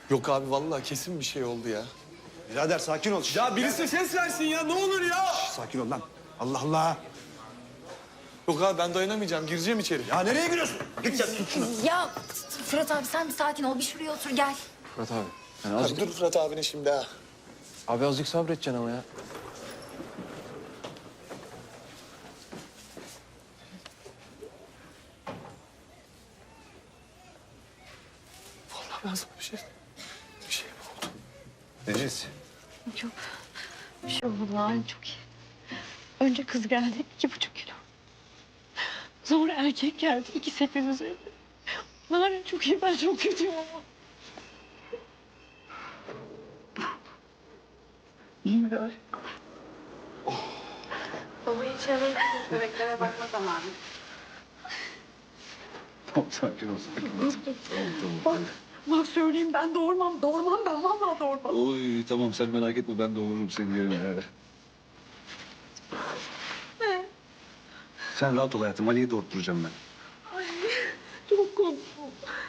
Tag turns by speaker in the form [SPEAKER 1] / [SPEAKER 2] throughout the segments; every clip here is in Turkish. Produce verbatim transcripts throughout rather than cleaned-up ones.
[SPEAKER 1] Yok abi vallahi kesin bir şey oldu ya.
[SPEAKER 2] Birader sakin ol.
[SPEAKER 1] Ya birisi ses versin ya ne olur ya.
[SPEAKER 2] Sakin ol lan. Allah Allah.
[SPEAKER 1] Yok abi ben dayanamayacağım gireceğim içeri.
[SPEAKER 2] Ya nereye giriyorsun? Git sen tut şunu.
[SPEAKER 3] Ya Fırat abi sen bir sakin ol. Bir şuraya otur gel.
[SPEAKER 4] Fırat abi. Yani
[SPEAKER 1] Abi
[SPEAKER 4] azıcık,
[SPEAKER 1] dur Fırat abinin şimdi ha.
[SPEAKER 4] abi azıcık sabredeceksin ama ya.
[SPEAKER 1] Vallahi ben sana bir şey... Bir şey mi oldu?
[SPEAKER 2] Neciz.
[SPEAKER 5] Çok bir şey oldu lan çok iyi. Önce kız geldi iki buçuk kilo. Sonra erkek geldi iki sepet üzerinde. Narin çok iyi ben çok kötüyüm ama. İyi mi böyle?
[SPEAKER 6] Baba hiç hemen bebeklere bakma zamanı.
[SPEAKER 4] Tamam sakin ol sakin ol.
[SPEAKER 5] Bak, bak söyleyeyim ben doğurmam, doğurmam ben vallahi doğurmam.
[SPEAKER 4] Oy tamam sen merak etme ben doğururum seni yerine.
[SPEAKER 5] Ne?
[SPEAKER 4] Sen rahat ol hayatım Ali'yi doğurtturacağım ben.
[SPEAKER 5] Ay çok korktum.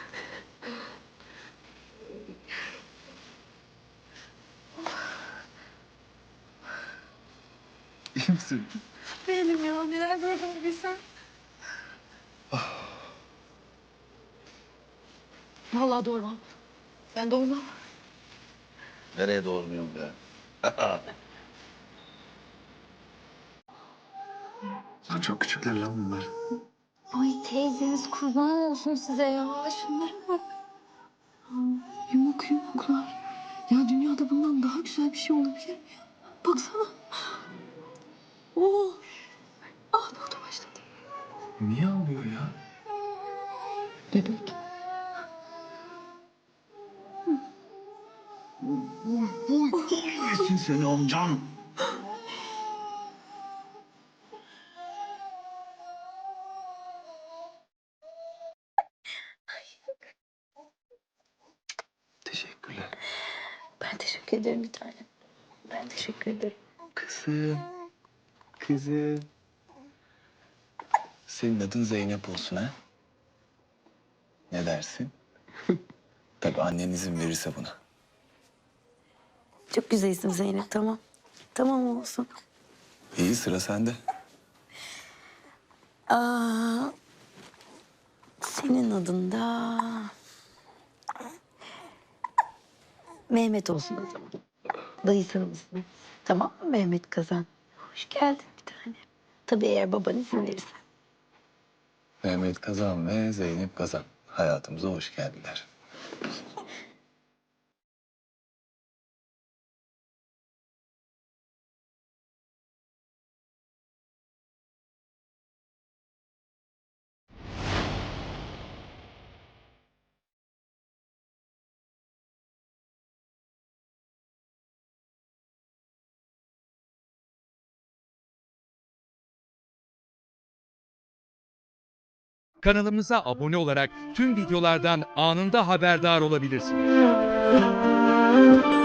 [SPEAKER 4] İyi misin?
[SPEAKER 5] Değilim ya neler gördüm bir bilsen. Vallahi doğurmam. Ben doğurmam.
[SPEAKER 4] Nereye doğurmuyorum be? Lan çok küçükler lan bunlar.
[SPEAKER 3] Ay teyzeniz kurban olsun size ya. Şunlara bak.
[SPEAKER 5] Yumuk yumuklar. Ya dünyada bundan daha güzel bir şey olabilir mi ya? Baksana. Oo. Ağlamaya başladı.
[SPEAKER 4] Niye ağlıyor ya?
[SPEAKER 5] Bebek.
[SPEAKER 4] Yesin seni amcan. Teşekkürler.
[SPEAKER 5] Ben teşekkür ederim bir tanem. Ben teşekkür ederim.
[SPEAKER 4] Kızım. Kızım. Senin adın Zeynep olsun ha? Ne dersin? Tabii annen izin verirse buna.
[SPEAKER 5] Çok güzel isim Zeynep tamam. Tamam olsun.
[SPEAKER 4] İyi sıra sende.
[SPEAKER 5] Aa, senin adın da Mehmet olsun o zaman. Dayısının ismi. Tamam mı Mehmet Kazan? Hoş geldin bir tane. Tabii eğer baban izin verirse.
[SPEAKER 4] Mehmet Kazan ve Zeynep Kazan hayatımıza hoş geldiler.
[SPEAKER 7] Kanalımıza abone olarak tüm videolardan anında haberdar olabilirsiniz.